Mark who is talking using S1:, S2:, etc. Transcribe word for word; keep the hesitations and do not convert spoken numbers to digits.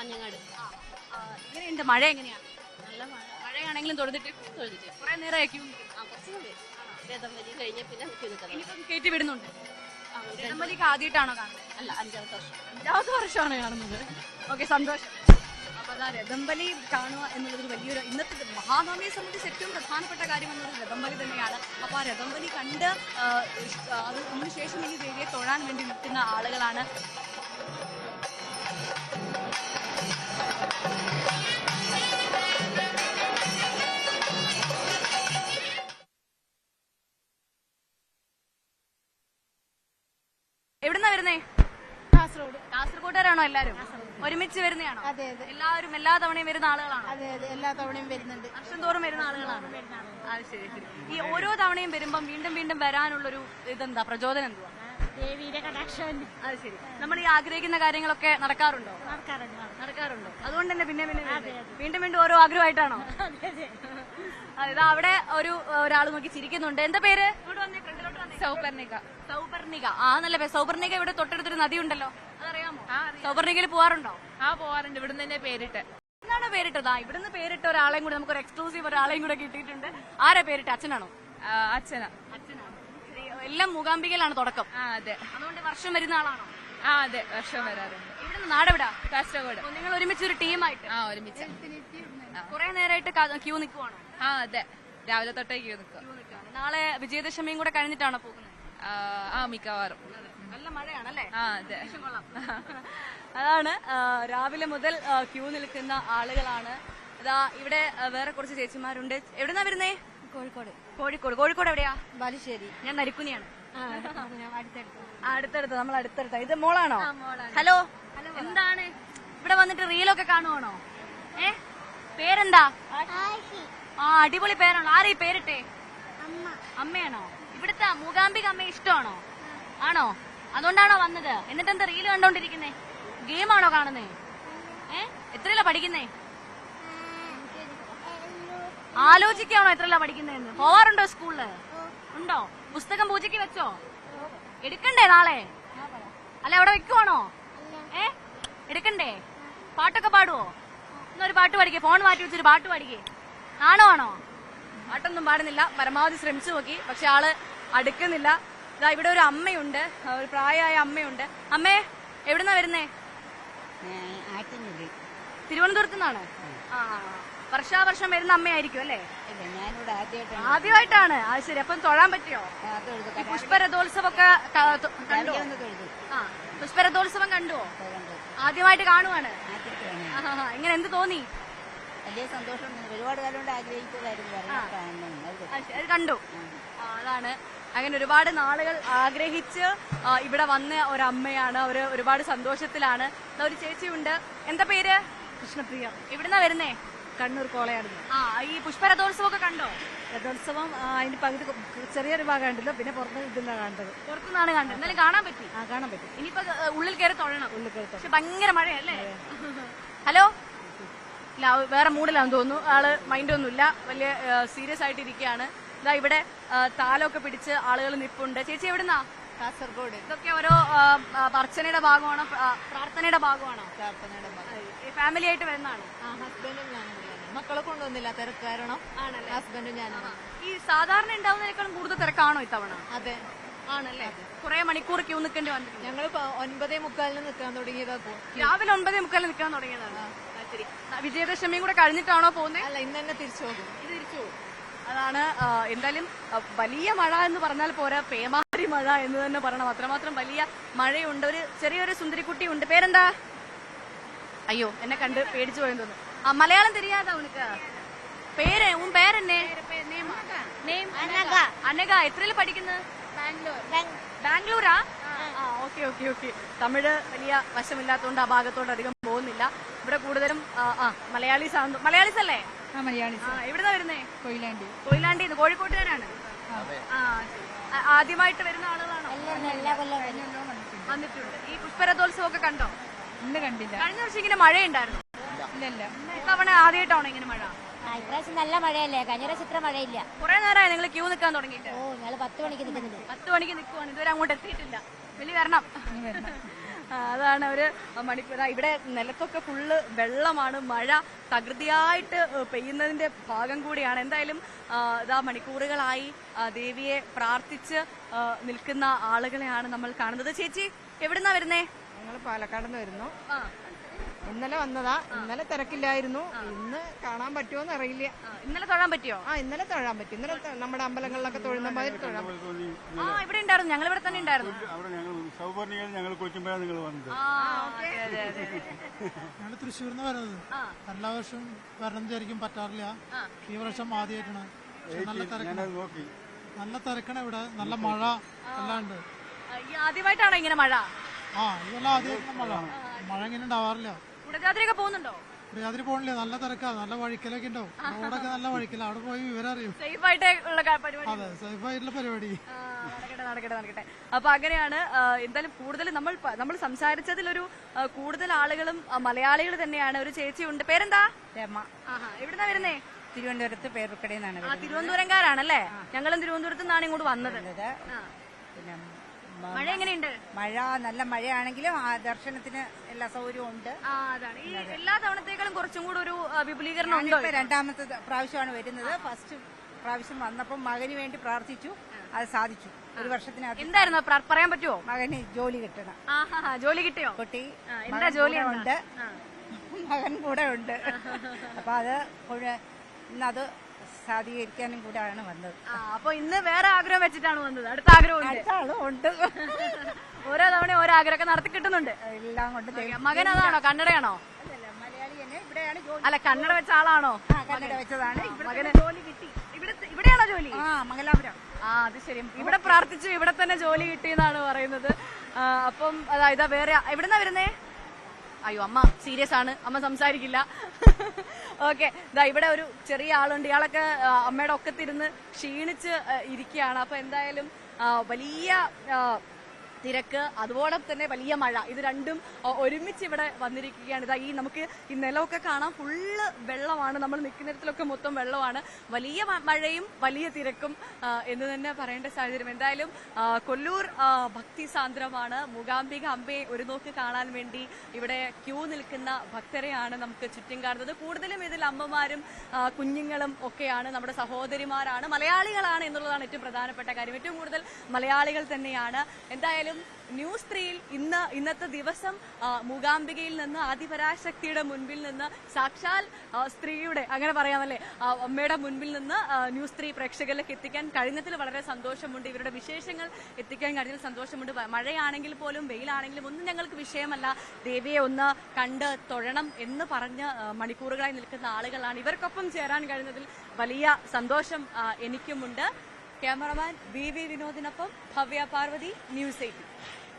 S1: കാഞ്ഞങ്ങാട്.
S2: എങ്ങനെയുണ്ട് മഴ? എങ്ങനെയാ?
S1: നല്ല മഴ.
S2: മഴയാണെങ്കിലും തൊഴുതിട്ട്
S1: തൊഴുതിട്ട്
S2: കുറെ നേരമായി ക്യൂ
S1: ആ കുറച്ച് സമയം രഥം വലി കഴിഞ്ഞ പിന്നെ നിൽക്കി നിൽക്കണം.
S2: ഇനിയിപ്പം കയറ്റി വിടുന്നുണ്ട്.
S1: ആ, ഒരു രണ്ട്
S2: രഥംബലിക്ക് ആദ്യമായിട്ടാണോ കാണുന്നത്?
S1: അല്ല അഞ്ചാമത്തെ വർഷം.
S2: അഞ്ചാമത്തെ വർഷമാണ് കാണുന്നത്. ഓക്കെ, സന്തോഷം. അപ്പൊ അതാ രഥംബലി കാണുക എന്നുള്ളതൊരു വലിയൊരു ഇന്നത്തെ മഹാനവമിയെ സംബന്ധിച്ച് ഏറ്റവും പ്രധാനപ്പെട്ട കാര്യം എന്നത് രഥംബലി തന്നെയാണ്. അപ്പൊ ആ രഥംബലി കണ്ട് ആ, ഇഷ്- ആ, അത് അതിനുശേഷം ഈ ദേവിയെ തൊഴാൻ വേണ്ടി നിൽക്കുന്ന ആളുകളാണ്. എവിടുന്നാ വരുന്നേ?
S3: കാസർഗോഡ്.
S2: കാസർഗോട്ടുകാരാണോ എല്ലാരും? ഒരുമിച്ച് വരുന്നതാണോ?
S3: അതെ അതെ
S2: എല്ലാവരും എല്ലാ തവണയും വരുന്ന ആളുകളാണോ?
S3: അതെ അതെ എല്ലാ തവണയും വരുന്നുണ്ട്.
S2: വർഷം തോറും വരുന്ന ആളുകളാണ്. അത് ശരി ശരി. ഈ ഓരോ തവണയും വരുമ്പം വീണ്ടും വീണ്ടും വരാനുള്ളൊരു ഇതെന്താ, പ്രചോദനം എന്തുവാ?
S3: ദേവിയുടെ കടാക്ഷം
S2: അത് ശരി. നമ്മൾ ഈ ആഗ്രഹിക്കുന്ന കാര്യങ്ങളൊക്കെ നടക്കാറുണ്ടോ?
S3: നടക്കാറുണ്ട്.
S2: നടക്കാറുണ്ടോ? അതുകൊണ്ട് തന്നെ പിന്നെ പിന്നെ വീണ്ടും വീണ്ടും ഓരോ ആഗ്രഹമായിട്ടാണോ? അതായത് അവിടെ ഒരു ഒരാൾ നോക്കി ചിരിക്കുന്നുണ്ട്. എന്താ പേര്? ഇങ്ങോട്ട് വന്നേ, ഫ്രണ്ടിലോട്ട് വന്നേ.
S1: സൗപർണിക.
S2: സൗപർണിക. ആ, നല്ല പേര്. സൗപർണിക ഇവിടെ തൊട്ടടുത്തൊരു നദി ഉണ്ടല്ലോ, അതറിയാമോ? സൗപർണികയിൽ പോവാറുണ്ടോ?
S1: ആ പോവാറുണ്ട്. ഇവിടുന്ന് തന്നെ പേരിട്ട്.
S2: എന്താണ് പേരിട്ടത്? ആ, ഇവിടുന്ന് പേരിട്ട ഒരാളെയും കൂടെ നമുക്കൊരു എക്സ്ക്ലൂസീവ് ഒരാളെയും കൂടെ കിട്ടിയിട്ടുണ്ട്. ആരാ പേരിട്ട്? അച്ഛനാണോ?
S1: അച്ഛനാ.
S2: അച്ഛനാണ്. എല്ലാം മൂകാംബികയിലാണ് തുടക്കം.
S1: ആ അതെ.
S2: അതുകൊണ്ട് വർഷം വരുന്ന ആളാണോ?
S1: ആ അതെ, വർഷം വരാറുണ്ട്.
S2: ഇവിടുന്ന് നാടെവിടാ?
S1: കാസർഗോഡ്.
S2: ഓ, നിങ്ങൾ ഒരുമിച്ച് ഒരു ടീമായിട്ട്
S1: ആ ഒരുമിച്ച്.
S2: കുറെ നേരമായിട്ട് ക്യൂ നിൽക്കുവാണോ?
S1: ആ അതെ, രാവിലെ തൊട്ടേ ക്യൂ നിൽക്കുക.
S2: ക്യൂ നിൽക്കുകയാണ്. നാളെ വിജയദശമിയും കൂടെ കഴിഞ്ഞിട്ടാണോ പോകുന്നത്?
S1: ആ മിക്കവാറും.
S2: നല്ല മഴയാണല്ലേ?
S1: ആ അതെ.
S2: അതാണ് ആ, രാവിലെ മുതൽ ആ, ക്യൂ നിൽക്കുന്ന ആളുകളാണ്. ഇതാ ഇവിടെ ആ, വേറെ കുറച്ച് ചേച്ചിമാരുണ്ട്. എവിടുന്നാ വരുന്നേ?
S3: കോഴിക്കോട്.
S2: കോഴിക്കോട്. കോഴിക്കോട് എവിടെയാ?
S3: ബാലുശ്ശേരി.
S2: ഞാൻ നരിക്കുനിയാണ്.
S3: അടുത്തടുത്ത്.
S2: ആ, അടുത്തടുത്ത്. നമ്മൾ അടുത്തടുത്ത. ഇത് മോളാണോ? ഹലോ. എന്താണ് ഇവിടെ വന്നിട്ട് റീലൊക്കെ കാണുവാണോ? ഏ, പേരെന്താ? ആ, അടിപൊളി പേരാണോ? ആരാ ഈ പേരിട്ടെ? അമ്മയാണോ? ഇവിടുത്തെ മൂകാംബിക അമ്മയെ ഇഷ്ടമാണോ? ആണോ? അതുകൊണ്ടാണോ വന്നത്? എന്നിട്ട് എന്താ റീല് കണ്ടോണ്ടിരിക്കുന്നേ? ഗെയിമാണോ കാണുന്നേ? ഏ, എത്രയിലാ പഠിക്കുന്നേ? ആലോചിക്കാണോ എത്രയിലാ പഠിക്കുന്നതെന്ന്? പോവാറുണ്ടോ സ്കൂളില്? ഉണ്ടോ? പുസ്തകം പൂജയ്ക്ക് വെച്ചോ? എടുക്കണ്ടേ നാളെ? അല്ല, അവിടെ വെക്കുവാണോ? ഏ, എടുക്കണ്ടേ? പാട്ടൊക്കെ പാടുവോ? എന്നൊരു പാട്ട് പാടിക്കേ. ഫോൺ മാറ്റി വെച്ചൊരു പാട്ട് പാടിക്കേ. ആണോ? ആണോ? പാട്ടൊന്നും പാടുന്നില്ല. പരമാവധി ശ്രമിച്ചു നോക്കി, പക്ഷെ ആള് അടുക്കുന്നില്ല. ഇതാ ഇവിടെ ഒരു അമ്മയുണ്ട്, ഒരു പ്രായമായ അമ്മയുണ്ട്. അമ്മേ, എവിടുന്നാ വരുന്നേ? തിരുവനന്തപുരത്ത് നിന്നാണ്. ആ, വർഷാവർഷം വരുന്ന അമ്മയായിരിക്കും അല്ലേ? ആദ്യമായിട്ടാണ്. അത് ശരി. അപ്പം തൊഴാൻ പറ്റിയോ? ഈ പുഷ്പരഥോത്സവമൊക്കെ കണ്ടോ? ആ, പുഷ്പരഥോത്സവം കണ്ടുവോ? ആദ്യമായിട്ട് കാണുവാണ്. എങ്ങനെ, എന്ത് തോന്നി?
S3: വലിയ സന്തോഷം. ഒരുപാട് കാലം കൊണ്ട് ആഗ്രഹിച്ചതായിരുന്നു.
S2: അത് കണ്ടു. ആ, അതാണ്. അങ്ങനെ ഒരുപാട് നാളുകൾ ആഗ്രഹിച്ച് ഇവിടെ വന്ന ഒരമ്മയാണ്. അവര് ഒരുപാട് സന്തോഷത്തിലാണ്. ഒരു ചേച്ചിയുണ്ട്. എന്താ പേര്?
S3: കൃഷ്ണപ്രിയ.
S2: എവിടുന്നാ വരുന്നേ?
S3: കണ്ണൂർ കോളയാട്.
S2: ആ, ഈ പുഷ്പരഥോത്സവം ഒക്കെ കണ്ടോ?
S3: രഥോത്സവം അതിന്റെ പകുതി ചെറിയൊരു ഭാഗം കണ്ടില്ല, പിന്നെ പുറത്ത് ഇതെല്ലാം കണ്ടത്.
S2: പുറത്തുനിന്നാണ് കണ്ടത്. എന്നാലും കാണാൻ പറ്റി?
S3: ആ, കാണാൻ പറ്റും.
S2: ഇനിയിപ്പോ ഉള്ളിൽ കയറി തൊഴണം.
S3: ഉള്ളിൽ കയറി.
S2: പക്ഷെ ഭയങ്കര മഴയല്ലേ? ഹലോ. ഇല്ല, വേറെ മൂഡിലാന്ന് തോന്നുന്നു. ആള് മൈൻഡൊന്നുമില്ല. വലിയ സീരിയസ് ആയിട്ട് ഇരിക്കുകയാണ്. ഇതാ ഇവിടെ താലമൊക്കെ പിടിച്ച് ആളുകൾ നിപ്പുണ്ട്. ചേച്ചി എവിടുന്നാ?
S3: കാസർഗോഡ്.
S2: ഇതൊക്കെ ഓരോ അർച്ചനയുടെ ഭാഗമാണോ, പ്രാർത്ഥനയുടെ ഭാഗമാണോ?
S3: പ്രാർത്ഥനയുടെ
S2: ഫാമിലി ആയിട്ട് വരുന്നതാണ്.
S3: ആ, ഹസ്ബൻഡും ഞാനും. മക്കളെ കൊണ്ടൊന്നുമില്ല, തിരക്ക് കാരണം.
S2: ആണല്ലേ?
S3: ഹസ്ബൻഡും ഞാനും.
S2: ഈ സാധാരണ ഉണ്ടാവുന്നതിനേക്കാളും കൂടുതൽ തിരക്കാണോ ഇത്തവണ?
S3: അതെ.
S2: ആണല്ലേ? കുറെ മണിക്കൂർ ക്യൂ നിൽക്കേണ്ടി വന്നു.
S3: ഞങ്ങൾ ഒൻപതേ മുക്കാലിന് നിൽക്കാൻ തുടങ്ങിയതാ.
S2: രാവിലെ ഒൻപതേ മുക്കാലിന് നിൽക്കാൻ തുടങ്ങിയതാണ്. ശരി. വിജയദശമിയും കൂടെ കഴിഞ്ഞിട്ടാണോ പോകുന്നത്?
S3: അല്ല, ഇന്ന് തന്നെ തിരിച്ചു പോകും.
S2: ഇത് തിരിച്ചു പോകും. അതാണ്. എന്തായാലും വലിയ മഴ എന്ന് പറഞ്ഞാൽ പോരാ, പേമാരി മഴ എന്ന് തന്നെ പറയണം. അത്രമാത്രം വലിയ മഴയുണ്ട്. ഒരു ചെറിയൊരു സുന്ദരിക്കുട്ടി ഉണ്ട്. പേരെന്താ? അയ്യോ, എന്നെ കണ്ട് പേടിച്ചു പോയെന്ന് തോന്നുന്നു. ആ, മലയാളം தெரியாதா உனக்கு? പേര് ഉൻ പേരെന്നെ? അനഘ. എത്രയില് പഠിക്കുന്നത്? ബാംഗ്ലൂരാ? ആ, ഓക്കെ ഓക്കെ ഓക്കെ. തമിഴ് വലിയ വശമില്ലാത്തതുകൊണ്ട് ആ ഭാഗത്തോട്ട് അധികം പോകുന്നില്ല. ഇവിടെ കൂടുതലും ആ മലയാളീസ് ആണ്. മലയാളീസ് അല്ലേ?
S3: ആ, മലയാളി.
S2: ആ, എവിടുന്നാ വരുന്നേ?
S3: കൊയിലാണ്ടി.
S2: കൊയിലാണ്ടി. കോഴിക്കോട്ടുകാരാണ്. ആ, ആദ്യമായിട്ട് വരുന്ന ആളുകളാണോ? വന്നിട്ടുണ്ട്. ഈ പുഷ്പരഥോത്സവം ഒക്കെ കണ്ടോ?
S3: ഇന്ന് കണ്ടില്ല.
S2: കഴിഞ്ഞ വർഷം ഇങ്ങനെ മഴയുണ്ടായിരുന്നു?
S3: ഇല്ലല്ല.
S2: ഇത്തവണ ആദ്യമായിട്ടാണോ ഇങ്ങനെ മഴ?
S4: ഇപ്രാവശ്യം നല്ല മഴയല്ലേ? കഴിഞ്ഞ പ്രാവശ്യം ഇത്ര മഴയില്ല.
S2: കുറെ നേരമായി നിങ്ങൾ ക്യൂ നിൽക്കാൻ തുടങ്ങിയിട്ട്?
S4: ഓ, ഞങ്ങള് പത്ത് മണിക്ക് നിൽക്കുന്നുണ്ട്.
S2: പത്ത് മണിക്ക് നിൽക്കുവാണ്. ഇതുവരെ അങ്ങോട്ട് എത്തിയിട്ടില്ല. വലിയ വരണം. ആ, അതാണ് ഒരു മണിക്കൂർ ഇവിടെ നിലത്തൊക്കെ ഫുള്ള് വെള്ളമാണ്. മഴ തകൃതിയായിട്ട് പെയ്യുന്നതിന്റെ ഭാഗം കൂടിയാണ്. എന്തായാലും ആ, ഇതാ മണിക്കൂറുകളായി ആ, ദേവിയെ പ്രാർത്ഥിച്ച് ആ, നിൽക്കുന്ന ആളുകളെയാണ് നമ്മൾ കാണുന്നത്. ചേച്ചി എവിടുന്നാ വരുന്നേ?
S3: ഞങ്ങൾ പാലക്കാട് നിന്ന് വരുന്നു.
S2: ആ,
S3: ഇന്നലെ വന്നതാ. ഇന്നലെ തിരക്കില്ലായിരുന്നു. ഇന്ന് കാണാൻ പറ്റുമോന്ന് അറിയില്ല.
S2: ആ, ഇന്നലെ തൊഴാൻ പറ്റിയോ?
S3: ആ ഇന്നലെ തൊഴാൻ പറ്റും. ഇന്നലെ ത- നമ്മുടെ അമ്പലങ്ങളിലൊക്കെ തൊഴുന്ന മാതിരി തൊഴാൻ പറ്റും.
S2: ആ ഇവിടെ ഉണ്ടായിരുന്നു, ഞങ്ങൾ ഇവിടെ തന്നെ ഉണ്ടായിരുന്നു.
S5: അവിടെ ഞങ്ങൾ സൗപർണികയിൽ ഞങ്ങൾ കുളിക്കുമ്പോഴാണ് നിങ്ങൾ വന്നത്.
S2: ആ, അതെ, അതെ, അതെ, അതെ.
S6: ഞങ്ങൾ തൃശ്ശൂരിൽ നിന്ന് വരുന്നത്.
S2: ആ,
S6: എല്ലാ വർഷവും വരണം വിചാരിക്കും, പറ്റാറില്ല.
S2: ആ.
S6: ഈ വർഷം ആദ്യമായിട്ടാണ്. പക്ഷെ നല്ല തിരക്കാണ്.
S5: ഞാനത് നോക്കി.
S6: നല്ല തിരക്കാണ് ഇവിടെ. നല്ല മഴ എല്ലാം ഉണ്ട്.
S2: ആ, ഈ ആദ്യമായിട്ടാണോ ഇങ്ങനെ മഴ?
S6: ആ ഇതെല്ലാം ആദ്യമായിട്ടുള്ള മഴ. മഴ ഇങ്ങനെ ഉണ്ടാവാറില്ല.
S2: കുടജാദ്രിയൊക്കെ പോകുന്നുണ്ടോ?
S6: പ്രിയാതിരി പോകണില്ല. നല്ല തിരക്കാ. നല്ല വഴിക്കലൊക്കെ ഉണ്ടാവും. റോഡൊക്കെ നല്ല വഴിക്കല. അവിടെ പോയി വിവരം അറിയും.
S2: സേഫ് ആയിട്ട് ഉള്ള ക- പരിപാടി.
S6: അതെ, സേഫ് ആയിട്ടുള്ള പരിപാടി.
S2: ആ, നടക്കട്ടെ നടക്കട്ടെ നടക്കട്ടെ. അപ്പൊ അങ്ങനെയാണ്. ആ, എന്തായാലും കൂടുതൽ നമ്മൾ പ- നമ്മൾ സംസാരിച്ചതിലൊരു ആ, കൂടുതൽ ആളുകളും ആ, മലയാളികൾ തന്നെയാണ്. ഒരു ചേച്ചി ഉണ്ട്. പേരെന്താ?
S3: രമ.
S2: ആഹാ, എവിടുന്നാ വരുന്നേ?
S3: തിരുവനന്തപുരത്ത് പേരുക്കടയിൽ നിന്നാണ്
S2: ആ, തിരുവനന്തപുരംകാരാണല്ലേ? ഞങ്ങളും തിരുവനന്തപുരത്ത് നിന്നാണ് ഇങ്ങോട്ട് വന്നത്.
S3: വരുന്നത്.
S2: ആ.
S3: പിന്നെ
S2: മഴ എങ്ങനെയുണ്ട്?
S3: മഴ നല്ല മഴയാണെങ്കിലും ആ ദർശനത്തിന് എല്ലാ സൗകര്യവും ഉണ്ട്.
S2: ആ, അതാണ് ഈ എല്ലാ തവണത്തേക്കാളും കുറച്ചും കൂടെ ഒരു ആ, വിപുലീകരണം ഉണ്ടോ?
S3: ഞാനിപ്പോ രണ്ടാമത്തെ പ്രാവശ്യമാണ് വരുന്നത്. ഫസ്റ്റ് പ്രാവശ്യം വന്നപ്പോൾ മകന് വേണ്ടി പ്രാർത്ഥിച്ചു. അത് സാധിച്ചു. ഒരു വർഷത്തിനകത്ത്
S2: എന്തായിരുന്നു പ്ര- പറയാൻ പറ്റുമോ?
S3: മകന് ജോലി കിട്ടണം.
S2: ആഹാ, ജോലി കിട്ടിയോ?
S3: കുട്ടി
S2: ആ, എന്താ
S3: മകൻ
S2: ജോലി
S3: കൂടെ
S2: എന്താ?
S3: ഉണ്ട്.
S2: ആ.
S3: മകൻ കൂടെ ഉണ്ട്. അപ്പൊ അത് മുഴുവൻ ഇന്നത് സാധീകരിക്കാനും കൂടെയാണ് വന്നത്.
S2: ആ, അപ്പൊ ഇന്ന് വേറെ ആഗ്രഹം വെച്ചിട്ടാണ് വന്നത്. അടുത്ത ആഗ്രഹം ഉണ്ട്.
S3: അടുത്ത ആളും ഉണ്ട്.
S2: ഓരോ തവണ ഓരോ ആഗ്രഹമൊക്കെ നടത്തി കിട്ടുന്നുണ്ട്.
S3: എല്ലാം കൊണ്ട് ദൈവം-
S2: മകൻ അതാണോ? കന്നഡയാണോ?
S3: അല്ലല്ല, മലയാളി തന്നെ. ഇവിടെയാണ് ജോലി.
S2: അല്ല, കന്നഡ വെച്ച ആളാണോ?
S3: ആ, കന്നഡ വെച്ചതാണ്. ഇവിടെ
S2: മകന്
S3: തന്നെ ജോലി കിട്ടി.
S2: ഇവിടെ ഇവിടെയാണോ ജോലി?
S3: ആ, മംഗലാപുരം.
S2: ആ, അത് ശരി. ഇവിടെ പ്രാർത്ഥിച്ചു, ഇവിടെ തന്നെ ജോലി കിട്ടിയെന്നാണ് പറയുന്നത്. ആ, അപ്പം അതായത് വേറെ എവിടുന്നാ വരുന്നേ? അയ്യോ, അമ്മ സീരിയസ് ആണ്, അമ്മ സംസാരിക്കില്ല. ഓക്കെ, ഇതാ ഇവിടെ ഒരു ചെറിയ ആളുണ്ട്. ഇയാളൊക്കെ ആ, അമ്മയുടെ ഒക്കത്തിരുന്ന് ക്ഷീണിച്ച് ആ, ഇരിക്കുകയാണ്. അപ്പൊ എന്തായാലും ആ, വലിയ ആ, തിരക്ക്, അതുപോലെ തന്നെ വലിയ മഴ, ഇത് രണ്ടും ആ, ഒരുമിച്ച് ഇവിടെ വന്നിരിക്കുകയാണ്. ഇതാ ഈ നമുക്ക് ഈ നിലമൊക്കെ കാണാം, ഫുള്ള് വെള്ളമാണ്. നമ്മൾ നിൽക്കുന്നിടത്തിലൊക്കെ മൊത്തം വെള്ളമാണ്. വലിയ മ- മഴയും വലിയ തിരക്കും ആ, എന്ന് തന്നെ പറയേണ്ട സാഹചര്യം. എന്തായാലും ആ, കൊല്ലൂർ ആ, ഭക്തി സാന്ദ്രമാണ്. മൂകാംബിക അമ്പയെ ഒരു നോക്ക് കാണാൻ വേണ്ടി ഇവിടെ ക്യൂ നിൽക്കുന്ന ഭക്തരെയാണ് നമുക്ക് ചുറ്റും കാണുന്നത്. കൂടുതലും ഇതിൽ അമ്മമാരും ആ, കുഞ്ഞുങ്ങളും ഒക്കെയാണ്, നമ്മുടെ സഹോദരിമാരാണ്, മലയാളികളാണ് എന്നുള്ളതാണ് ഏറ്റവും പ്രധാനപ്പെട്ട കാര്യം. ഏറ്റവും കൂടുതൽ മലയാളികൾ തന്നെയാണ്. എന്തായാലും ന്യൂസ് ത്രീയിൽ ഇന്ന് ഇന്നത്തെ ദിവസം ആ, മൂകാംബികയിൽ നിന്ന്, ആദിപരാശക്തിയുടെ മുൻപിൽ നിന്ന്, സാക്ഷാൽ ആ, സ്ത്രീയുടെ അങ്ങനെ പറയാമല്ലേ, ആ, അമ്മയുടെ മുൻപിൽ നിന്ന് ആ, ന്യൂസ് ത്രീ പ്രേക്ഷകരിലേക്ക് എത്തിക്കാൻ കഴിഞ്ഞതിൽ വളരെ സന്തോഷമുണ്ട്. ഇവരുടെ വിശേഷങ്ങൾ എത്തിക്കാൻ കഴിഞ്ഞതിൽ സന്തോഷമുണ്ട്. വ- മഴയാണെങ്കിൽ പോലും വെയിലാണെങ്കിലും ഒന്നും ഞങ്ങൾക്ക് വിഷയമല്ല. ദേവിയെ ഒന്ന് കണ്ട് തൊഴണം എന്ന് പറഞ്ഞ് ആ, മണിക്കൂറുകളായി നിൽക്കുന്ന ആളുകളാണ്. ഇവർക്കൊപ്പം ചേരാൻ കഴിഞ്ഞതിൽ വലിയ സന്തോഷം ആ, എനിക്കുമുണ്ട്. ക്യാമറമാൻ ബി വി വിനോദിനൊപ്പം ഭവ്യ പാർവതി, ന്യൂസ് എയ്റ്റീൻ.